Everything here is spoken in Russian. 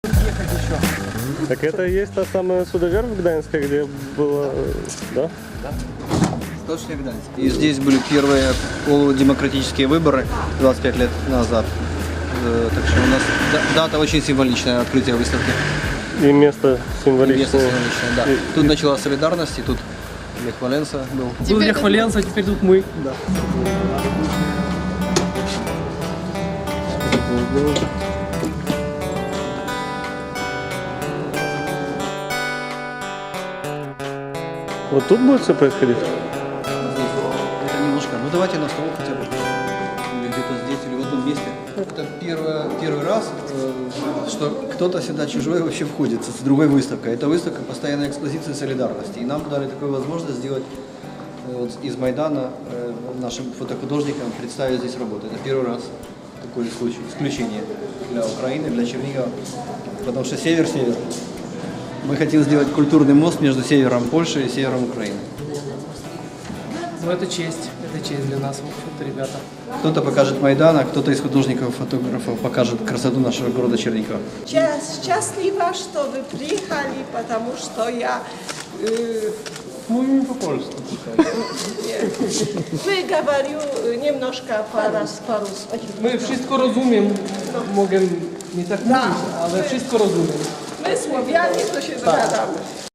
ехать еще. Так это и есть та самая судоверфь в Гданьске, где было, да? Точно Гданьск. И здесь были первые полудемократические выборы 25 лет назад. Так что у нас дата очень символичная, открытие выставки. И место Место символичное. символичное, да. Тут началась солидарность, и тут Лех Валенса был. Был Лех Валенса, а теперь тут мы. Да. Вот тут будет все происходить? Это немножко. Ну давайте на стол хотя бы. Или где-то здесь, или в одном месте. Это первый раз, что кто-то сюда чужой вообще входит с другой выставкой. Это выставка постоянной экспозиции солидарности. И нам дали такую возможность сделать вот из Майдана нашим фотохудожникам представить здесь работу. Это первый раз такой случай, исключение для Украины, для Чернигова. Потому что север-север. Мы хотим сделать культурный мост между севером Польши и севером Украины. Ну это честь для нас, в общем-то, ребята. Кто-то покажет Майдан, а кто-то из художников-фотографов покажет красоту нашего города Чернигова. Счастлива, что вы приехали, потому что я... Mówimy po polsku. Wyговорю немножко по-русски. Ми wszystko розуміємо, можемо не так mówić, але wszystko розуміємо. My Słowianie to się dogadamy.